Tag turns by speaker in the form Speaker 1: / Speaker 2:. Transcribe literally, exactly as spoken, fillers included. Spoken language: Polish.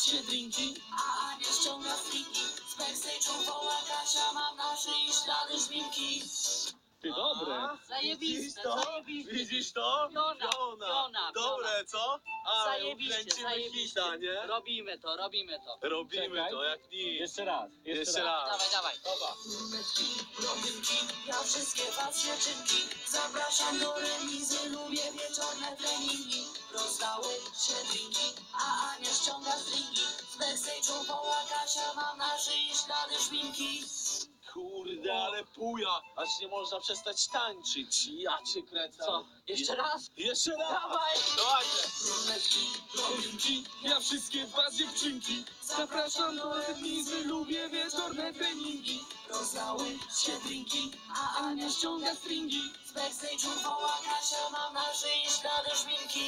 Speaker 1: się drinki, a Ania ściąga stringi. Z backstage'u woła Kasia, mam na szyi ślady szminki.
Speaker 2: Ty dobre.
Speaker 1: Zajebiste,
Speaker 3: to?
Speaker 1: zajebiste.
Speaker 3: Widzisz to?
Speaker 1: Piona, piona,
Speaker 3: Dobre, co? A,
Speaker 1: Zajebiście,
Speaker 3: kręcimy
Speaker 1: zajebiście.
Speaker 3: hita, nie?
Speaker 1: Robimy to, robimy to.
Speaker 3: Robimy
Speaker 2: Czekaj.
Speaker 3: to jak nic.
Speaker 2: Jeszcze raz. Jeszcze,
Speaker 3: Jeszcze
Speaker 2: raz.
Speaker 3: raz.
Speaker 1: Dawaj, dawaj.
Speaker 3: Dobra.
Speaker 1: Ja wszystkie was dziewczynki zapraszam do remizy. Lubię wieczorne treningi. Rozdały się drinki, a Ania ściąga stringi. Z backstage'u woła Kasia, mam na szyi ślady szminki.
Speaker 3: Kurde, ale puja. Aż nie można przestać tańczyć. Ja cię kręcę.
Speaker 1: Co? Jeszcze raz?
Speaker 3: Jeszcze raz.
Speaker 1: Dawaj!
Speaker 3: Dawajcie.
Speaker 1: Brunetki,
Speaker 2: Ja wszystkie was dziewczynki
Speaker 1: zapraszam do remizy. Lubię wieczorne treningi. Rozdały się drinki, a Ania ściąga stringi. Z backstage'u woła Kasia, mam na szyi ślady szminki.